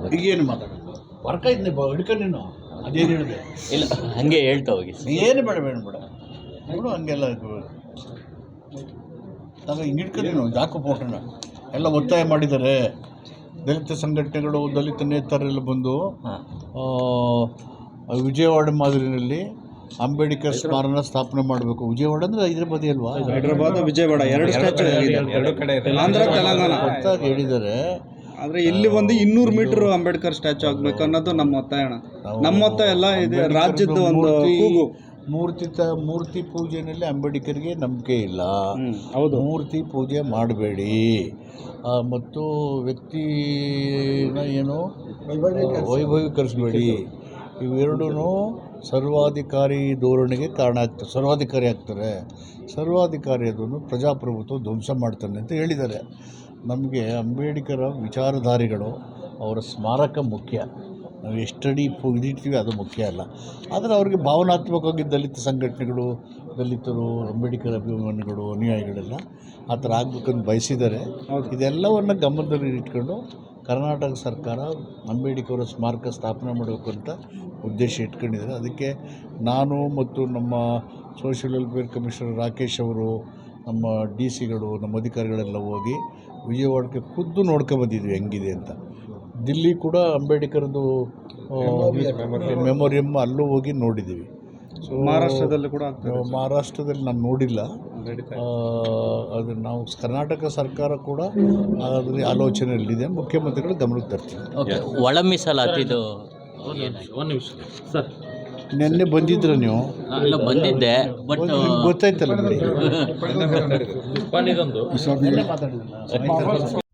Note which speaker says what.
Speaker 1: ಈಗೇನು ಮಾತಾಡೋದು ವರ್ಕ ಇದ್ನಿ ಹಿಡ್ಕೊಂಡು ನೀನು ಅದೇನು ಹೇಳಿದೆ
Speaker 2: ಇಲ್ಲ ಹಾಗೆ ಹೇಳ್ತಾ ಹೋಗಿ.
Speaker 1: ಏನು ಬೇಡ ನೋಡು ಹಂಗೆಲ್ಲ ನಾನು ಹಿಂಗೆ ಹಿಡ್ಕೊಂಡು ನೀನು ಜಾಕು ಫೋಟೋನ ಎಲ್ಲ ಒತ್ತಾಯ ಮಾಡಿದ್ದಾರೆ. ದಲಿತ ಸಂಘಟನೆಗಳು, ದಲಿತ ನೇತಾರರೆಲ್ಲ ಬಂದು ವಿಜಯವಾಡ ಮಾದರಿನಲ್ಲಿ ಅಂಬೇಡ್ಕರ್ ಸ್ಮಾರಕ ಸ್ಥಾಪನೆ ಮಾಡಬೇಕು. ವಿಜಯವಾಡ ಅಂದರೆ ಹೈದರಾಬಾದ್ ಅಲ್ವಾ?
Speaker 3: ಹೈದರಾಬಾದ್, ವಿಜಯವಾಡ ಎರಡು ಸ್ಟ್ಯಾಚು ಆಂಧ್ರ ತೆಲಂಗಾಣ
Speaker 1: ಗೊತ್ತಾಗಿ ಹೇಳಿದ್ದಾರೆ.
Speaker 3: ಆದರೆ ಇಲ್ಲಿ ಒಂದು 200 ಮೀಟರ್ ಅಂಬೇಡ್ಕರ್ ಸ್ಟ್ಯಾಚು ಆಗಬೇಕು ಅನ್ನೋದು ನಮ್ಮ ಒತ್ತಾಯ. ನಮ್ಮ ಒತ್ತಾಯ ಎಲ್ಲ ಇದೆ, ರಾಜ್ಯದ ಒಂದು ಕೂಗು.
Speaker 1: ಮೂರ್ತಿ ಪೂಜೆಯಲ್ಲಿ ಅಂಬೇಡ್ಕರ್ಗೆ ನಂಬಿಕೆ ಇಲ್ಲ.
Speaker 3: ಹೌದು,
Speaker 1: ಮೂರ್ತಿ ಪೂಜೆ ಮಾಡಬೇಡಿ ಮತ್ತು ವ್ಯಕ್ತಿನ ಏನು ವೈಭವೀಕರಿಸಬೇಡಿ. ಇವೆರಡೂ ಸರ್ವಾಧಿಕಾರಿ ಧೋರಣೆಗೆ ಕಾರಣ ಆಗ್ತದೆ, ಸರ್ವಾಧಿಕಾರಿ ಆಗ್ತಾರೆ. ಸರ್ವಾಧಿಕಾರಿ ಅದನ್ನು ಪ್ರಜಾಪ್ರಭುತ್ವ ಧ್ವಂಸ ಮಾಡ್ತಾನೆ ಅಂತ ಹೇಳಿದ್ದಾರೆ. ನಮಗೆ ಅಂಬೇಡ್ಕರ ವಿಚಾರಧಾರೆಗಳು, ಅವರ ಸ್ಮಾರಕ ಮುಖ್ಯ. ನಾವು ಎಷ್ಟಡಿ ಇದಿರ್ತೀವಿ ಅದು ಮುಖ್ಯ ಅಲ್ಲ. ಆದರೆ ಅವ್ರಿಗೆ ಭಾವನಾತ್ಮಕವಾಗಿ ದಲಿತ ಸಂಘಟನೆಗಳು, ದಲಿತರು, ಅಂಬೇಡ್ಕರ್ ಅಭಿಮಾನಿಗಳು, ಅನುಯಾಯಿಗಳೆಲ್ಲ ಆ ಥರ ಆಗಬೇಕಂತ ಬಯಸಿದ್ದಾರೆ. ಇದೆಲ್ಲವನ್ನು ಗಮನದಲ್ಲಿ ಇಟ್ಕೊಂಡು ಕರ್ನಾಟಕ ಸರ್ಕಾರ ಅಂಬೇಡ್ಕರ್ ಸ್ಮಾರಕ ಸ್ಥಾಪನೆ ಮಾಡಬೇಕು ಅಂತ ಉದ್ದೇಶ ಇಟ್ಕೊಂಡಿದ್ದಾರೆ. ಅದಕ್ಕೆ ನಾನು ಮತ್ತು ನಮ್ಮ ಸೋಷಿಯಲ್ ವೆಲ್ಫೇರ್ ಕಮಿಷನರ್ ರಾಕೇಶ್ ಅವರು, ನಮ್ಮ ಡಿ.ಸಿಗಳು, ನಮ್ಮ ಅಧಿಕಾರಿಗಳೆಲ್ಲ ಹೋಗಿ ವಿಜಯವಾಡಕ್ಕೆ ಖುದ್ದು ನೋಡ್ಕೊಂಬಂದಿದ್ವಿ ಹೆಂಗಿದೆ ಅಂತ. ದಿಲ್ಲಿ ಕೂಡ ಅಂಬೇಡ್ಕರ್ದು ಮೆಮೋರಿಯಂ ಅಲ್ಲೂ ಹೋಗಿ ನೋಡಿದ್ದೀವಿ. ಸೊ ಮಹಾರಾಷ್ಟ್ರದಲ್ಲಿ ನಾನು ನೋಡಿಲ್ಲ. ಅದು ನಾವು ಕರ್ನಾಟಕ ಸರ್ಕಾರ ಕೂಡ ಅದರ ಆಲೋಚನೆಯಲ್ಲಿದೆ. ಮುಖ್ಯಮಂತ್ರಿಗಳು ಗಮನಕ್ಕೆ ತರ್ತೀವಿ.
Speaker 2: ಒಳ ಮೀಸಲಾತಿದು
Speaker 1: ಸರ್ ನಿನ್ನೆ ಬಂದಿದ್ರ ನೀವು?
Speaker 2: ಬಂದಿದ್ದೆ, ಬಟ್
Speaker 1: ಗೊತ್ತಾಯ್ತಲ್ಲ.